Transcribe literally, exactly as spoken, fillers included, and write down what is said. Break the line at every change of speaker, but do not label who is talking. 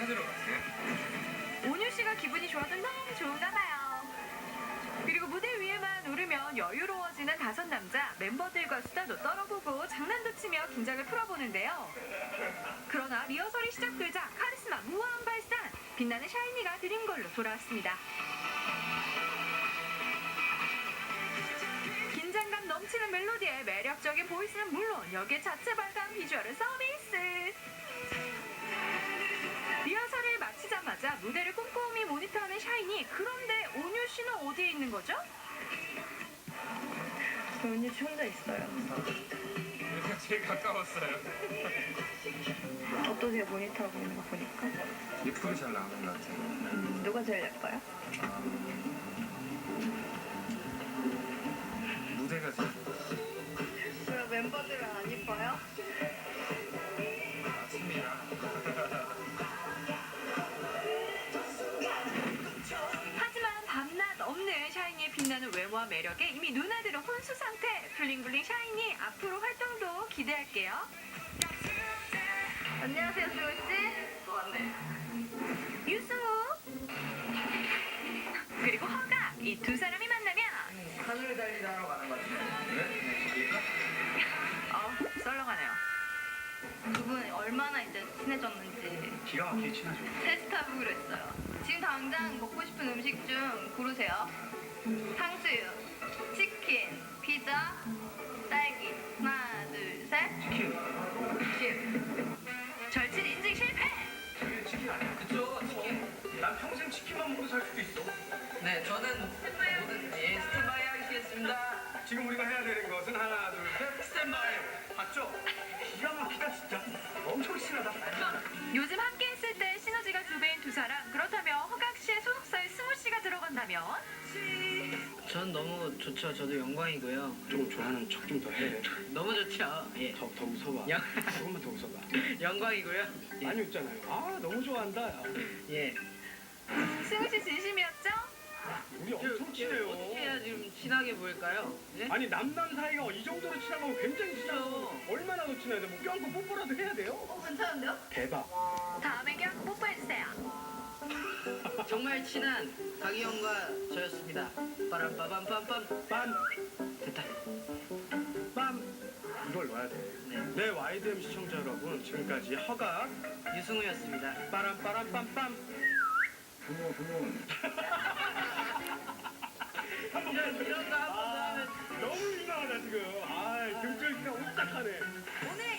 찾으러 갔어요?
온유 씨가 기분이 좋아서 너무 좋은가 봐요. 그리고 무대 위에만 오르면 여유로워지는 다섯 남자. 멤버들과 수다도 떨어보고 장난도 치며 긴장을 풀어보는데요. 그러나 리허설이 시작되자 카리스마 무한 발산, 빛나는 샤이니가 드린 걸로 돌아왔습니다. 긴장감 넘치는 멜로디에 매력적인 보이스는 물론 여기에 자체 발간 비주얼은 서비스. 리허설을 마치자마자 무대를 꼼꼼히 모니터하는 샤이니. 그런데 온유 씨는 어디에 있는 거죠? 온유 씨 혼자 있어요.
여기가 제일 가까웠어요.
어떠세요? 모니터하고 있는 거 보니까.
예쁘게 잘 나오는 것 같아요.
음, 누가 제일 예뻐요?
무대가 제일
왜 멤버들은 안 예뻐요?
맞습니다.
하지만 밤낮 없는 샤이니의 빛나는 외모와 매력에 이미 누나들은 혼수 상태. 블링블링 샤이니 앞으로 활동도 기대할게요. 안녕하세요, 수호 씨. 또 왔네. 유승우 그리고 허가. 이 두 사람이 만나면
하늘 달리다 하러 가는 것 같아요. 그래? 네, 갈릴까?
어 썰렁하네요. 두 분 얼마나 이제 친해졌는지
기가 막히게 친하죠.
테스트해보기로 했어요. 지금 당장 먹고 싶은 음식 중 고르세요. 탕수육, 치킨, 피자, 딸기. 하나, 둘, 셋.
치킨.
치킨. 절친 인증 실패.
저게 치킨 아니야? 그쵸, 치킨. 난 평생 치킨만 먹고 살 수도 있어.
네, 저는 모든 예, 스탠바이 하겠습니다.
지금 우리가 해야 되는 것은 하나, 둘, 셋. 스탠바이. 봤죠? 기가 막히다, 진짜. 엄청 친하다.
요즘 함께 했을 때 시너지가 두 배인 두 사람. 그렇다면 허각 씨의 소속사에 승우 씨가 들어간다면?
전 너무 좋죠. 저도 영광이고요.
조금 좋아하는 척 좀 더 해.
너무 좋죠. 예.
더, 더 웃어봐.
영-
조금만 더 웃어봐.
영광이고요. 예.
많이 웃잖아요. 아, 너무 좋아한다. 야.
예.
승우 씨 진심이었죠?
우리
저-
엄청 친해요.
어떻게 해야 좀 친하게 보일까요? 예?
아니, 남남 사이가 이 정도로 친한 거면 굉장히 친하고 얼마나 더 친해야 돼? 뭐 껴안고 뽀뽀라도 해야 돼요?
어, 괜찮은데요?
대박.
다음에 껴안고 뽀뽀해주세요.
정말 친한 박이형과 저였습니다. 빠람빠밤빰빰.
빰,
됐다.
빰. 이걸 넣어야 돼.
네.
네, 와이드엠 시청자 여러분, 지금까지 허각,
유승우였습니다.
빠람, 빠람, 빰빰. 부모, 부모.
이런, 이런 거 한번
아,
하면
너무 민망하다, 지금. 아, 등줄기가 오싹하네.
오늘